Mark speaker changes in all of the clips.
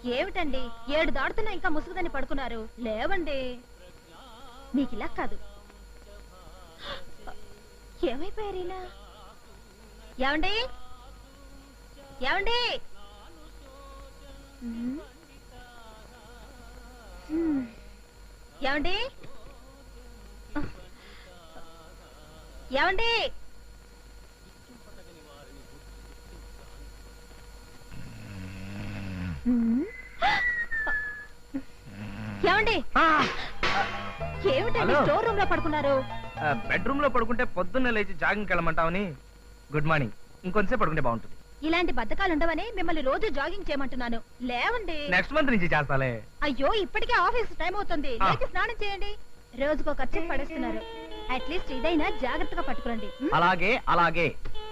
Speaker 1: ఏమిటండి 7 దాడుతున్నా ఇంకా ముసుగుదని పడుకున్నారు? లేవండి. మీకు ఇలా కాదు. ఏమైపోయారు ఇలా? ఏమండి ఏమండి? ఏమండి ఏమండి? ఏమండి ఏమిటండి స్టోర్ రూమ్ లో పడుకున్నారు?
Speaker 2: బెడ్రూమ్ లో పడుకుంటే పొద్దున్న లేచి జాగింగ్ వెళ్ళమంటావని. Good morning. ఇంకొంచెం పడుకుంటే బాగుంటుంది.
Speaker 1: ఇలాంటి బద్ధకాలు ఉండవని మిమ్మల్ని రోజు జాగింగ్ చేయమంటున్నాను. లేవండి.
Speaker 2: నెక్స్ట్ మంత్ నుంచి చేస్తాలే.
Speaker 1: అయ్యో ఇప్పటికే ఆఫీస్ టైం అవుతుంది. లేచి స్నానం చేయండి. రోజుకో ఖర్చు పడేస్తున్నారు. అట్లీస్ట్ ఇదైనా జాగ్రత్తగా పట్టుకురండి.
Speaker 2: అలాగే అలాగే.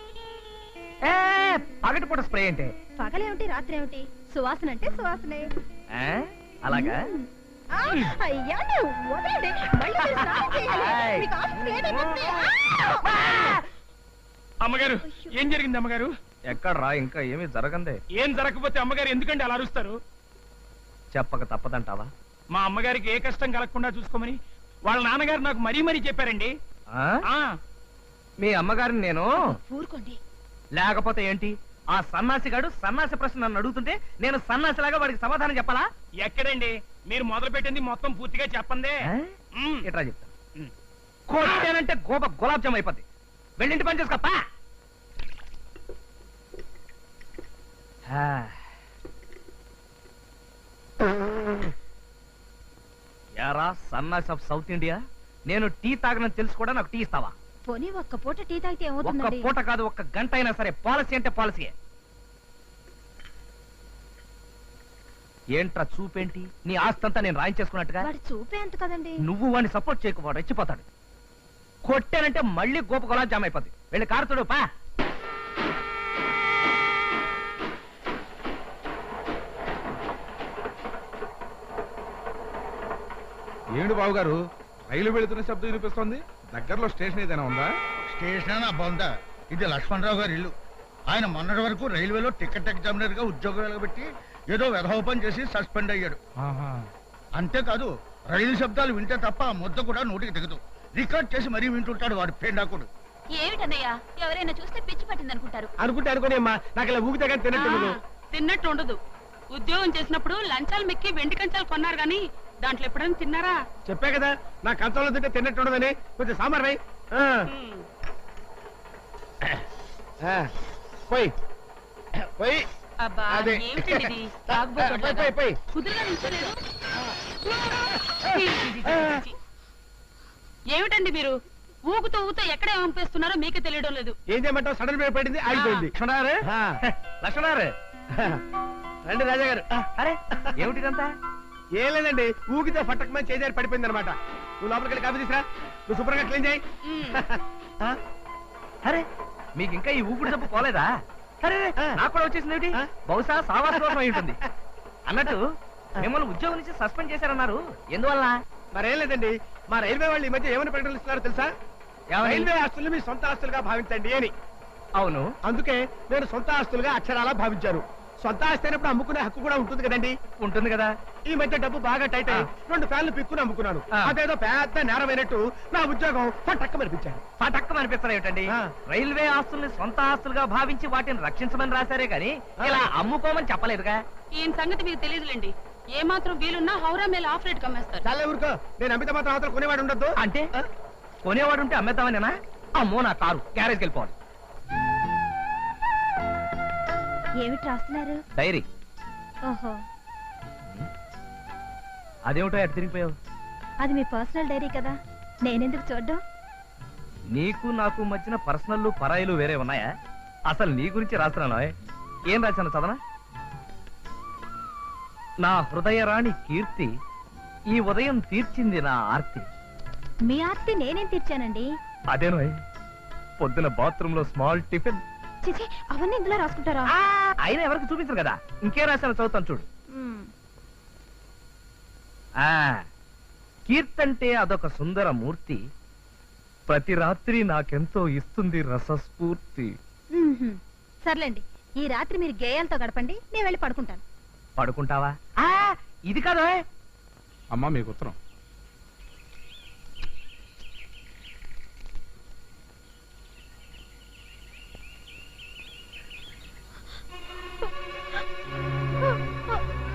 Speaker 2: పగటిపూట స్ప్రే అంటే
Speaker 1: పగలేమిటి రాత్రి ఏమిటి? సువాసన అంటే సువాసనే.
Speaker 2: అలాగా?
Speaker 1: అయ్యా వదలండి. మళ్ళీ మీరు స్నానం చేయాలి. మీకు ఆఫీస్ లేట్ అయిపోతుంది.
Speaker 3: అమ్మగారు ఏం జరిగింది అమ్మగారు?
Speaker 2: ఎక్కడ్రా? ఇంకా ఏమీ జరగందే.
Speaker 3: ఏం జరగకపోతే అమ్మగారు ఎందుకంటే అలా అరుస్తారు?
Speaker 2: చెప్పక తప్పదంటావా?
Speaker 3: మా అమ్మగారికి ఏ కష్టం కలగకుండా చూసుకోమని వాళ్ళ నాన్నగారు నాకు మరీ మరీ చెప్పారండి.
Speaker 2: మీ అమ్మగారిని నేను
Speaker 1: ఊరుకోండి.
Speaker 2: లేకపోతే ఏంటి? ఆ సన్నాసిగాడు సన్నాసి ప్రశ్న నన్ను అడుగుతుంటే నేను సన్నాసిలాగా వాడికి సమాధానం చెప్పాలా?
Speaker 3: ఎక్కడండి మీరు మొదలు పెట్టింది మొత్తం పూర్తిగా చెప్పందే.
Speaker 2: ఎట్లా చెప్తా? కొట్టానంటే గులాబ్ జామ్ అయిపోద్ది. వెళ్ళింటి పని చేసుకోపా. యారా సన్నాసి ఆఫ్ సౌత్ ఇండియా, నేను టీ తాగనని తెలుసు కూడా నాకు టీ ఇస్తావా?
Speaker 1: పోనీ ఒక్క పూట టీ తాగితే ఏమవుతుంది?
Speaker 2: ఒక్క పూట కాదు, ఒక్క గంట అయినా సరే. పాలసీ అంటే పాలసీయే. ఏంట్రా చూపేంటి? నీ ఆస్తంతా నేను రాయించేసుకున్నట్టుగా.
Speaker 1: వాడు చూపే అంత కదండి.
Speaker 2: నువ్వు వాడిని సపోర్ట్ చేయకు, వాడు రెచ్చిపోతాడు. కొట్టానంటే మళ్ళీ గోప గులాబ్ జామ్ అయిపోద్ది. వెళ్ళి కారుతుడు పా.
Speaker 4: ఏమిటి బాబు గారు, రైలు వెళుతున్న శబ్దం వినిపిస్తోంది? దగ్గరలో స్టేషన్ ఏదైనా ఉందా?
Speaker 5: స్టేషన్ బొంద. ఇది లక్ష్మణరావు గారి ఇల్లు. ఆయన మొన్నటి వరకు రైల్వేలో టికెట్ ఎగ్జామినర్ గా ఉద్యోగం వెలగబెట్టి ఏదో వెధోపం చేసి సస్పెండ్ అయ్యాడు. అంతేకాదు రైలు శబ్దాలు వింటే తప్ప ఆ ముద్ద కూడా నోటికి దిగదు. రికార్డ్ చేసి మరీ వింటుంటాడు వాడు పేండాకుడు.
Speaker 1: ఏమిటన్నయ్యా, ఎవరైనా చూస్తే పిచ్చి పట్టింది అనుకుంటారు.
Speaker 3: అనుకోని అమ్మా, నాకు ఇలా ఊగితే కానీ
Speaker 6: తిన్నట్టు ఉండదు. ఉద్యోగం చేసినప్పుడు లంచాలు మెక్కి వెండి కంచాలు కొన్నారు గాని దాంట్లో ఎప్పుడైనా తిన్నారా?
Speaker 3: చెప్పా కదా నా కంచంలో తింటే తిన్నట్టు ఉండదని. కొంచెం సాంబార్ రై. పోయి పోయి.
Speaker 6: అబ్బా ఏమిటండి ఇది? కుదురుగా నిల్చోలేదు. ఏమిటండి మీరు ఊగుతూ ఊగుతూ ఎక్కడ పంపిస్తున్నారో మీకే తెలియడం లేదు.
Speaker 3: ఏం చేయమంటావు? సడన్ బ్రేక్ పడింది, ఆగిపోయింది.
Speaker 2: లక్ష్మణారు రండి రాజా గారు. అరే ఏమిటిదంతా?
Speaker 3: ఏం లేదండి, ఊగితే ఫట్టకమని చేజారి పడిపోయింది అనమాట. నువ్వు లోపలికి వెళ్ళి కాఫీ తీసురా. నువ్వు శుభ్రంగా క్లీన్ చేయి.
Speaker 2: అరే మీకు ఇంకా ఈ ఊపిరి తప్పు పోలేదా? అరే నాకు కూడా వచ్చేసింది ఏమిటి? బహుశా సావాస దోషం అయి ఉంటుంది. అన్నట్టు మిమ్మల్ని ఉద్యోగం నుంచి సస్పెండ్ చేశారన్నారు, ఎందువల్ల?
Speaker 3: మరేం లేదండి, మా రైల్వే వాళ్ళు ఈ మధ్య ఏమని ప్రకటనలు ఇస్తున్నారో తెలుసా? రైల్వే ఆస్తులు మీ సొంత ఆస్తులుగా భావించండి అని.
Speaker 2: అవును,
Speaker 3: అందుకే నేను సొంత ఆస్తులుగా అక్షరాలా భావించారు. సొంత ఆస్తి అయినప్పుడు అమ్ముకునే హక్కు కూడా ఉంటుంది కదండి.
Speaker 2: ఉంటుంది కదా.
Speaker 3: ఈ మధ్య డబ్బు బాగా టైట్ అయ్యి 2 ఫ్యాన్లు పిక్కుని అమ్ముకున్నాను. అదేదో పెద్ద నేరమైనట్టు నా ఉద్యోగం పటక్కమనిపించాను.
Speaker 2: పటక్కమనిపిస్తారు ఏమిటండి? రైల్వే ఆస్తుల్ని సొంత ఆస్తులుగా భావించి వాటిని రక్షించమని రాశారే గాని ఇలా అమ్ముకోమని చెప్పలేదుగా.
Speaker 6: ఈయన సంగతి మీకు తెలియదులేండి. ఏ మాత్రం వీలున్నా హౌరా మేల ఆఫ్ రేట్ కమ్మేస్తారు.
Speaker 3: చాలా ఊరుకో, నేను అమిత మాత్రం అవతల కొనేవాడు ఉండద్దు.
Speaker 2: అంటే కొనేవాడు ఉంటే అమ్మేద్దామనేనా? అమ్మో నా కారు గ్యారేజ్కి వెళ్ళిపోవాలి.
Speaker 1: ఏమిటి రాస్తున్నారు?
Speaker 2: డైరీ.
Speaker 1: ఓహో,
Speaker 2: అదేమిటో ఎటు తిరిగిపోయావు?
Speaker 1: అది మీ పర్సనల్ డైరీ కదా, నేనెందుకు చూడ్డం?
Speaker 2: నీకు నాకు మధ్యన పర్సనల్ పరాయిలు వేరే ఉన్నాయా? అసలు నీ గురించి రాస్తున్నాను. ఏం రాశాను చదవనా? నా హృదయరాణి కీర్తి ఈ ఉదయం తీర్చింది నా ఆర్తి.
Speaker 1: మీ ఆర్తి నేనేం తీర్చానండి?
Speaker 2: అదేనో పొద్దున బాత్రూమ్ లో స్మాల్ టిఫిన్.
Speaker 1: చిచి, అవన్నీ ఇందులో రాసుకుంటారా?
Speaker 2: అయినా ఎవరికి చూపించరు కదా. ఇంకే రాశాను, చదువుతాను చూడు. కీర్తంటే అదొక సుందర మూర్తి, ప్రతి రాత్రి నాకెంతో ఇస్తుంది రసస్ఫూర్తి.
Speaker 1: సర్లేండి, ఈ రాత్రి మీరు గేయాలతో గడపండి, నేను వెళ్ళి పడుకుంటాను.
Speaker 2: పడుకుంటావా ఇది కాదు
Speaker 4: అమ్మా మీకు ఉత్తరం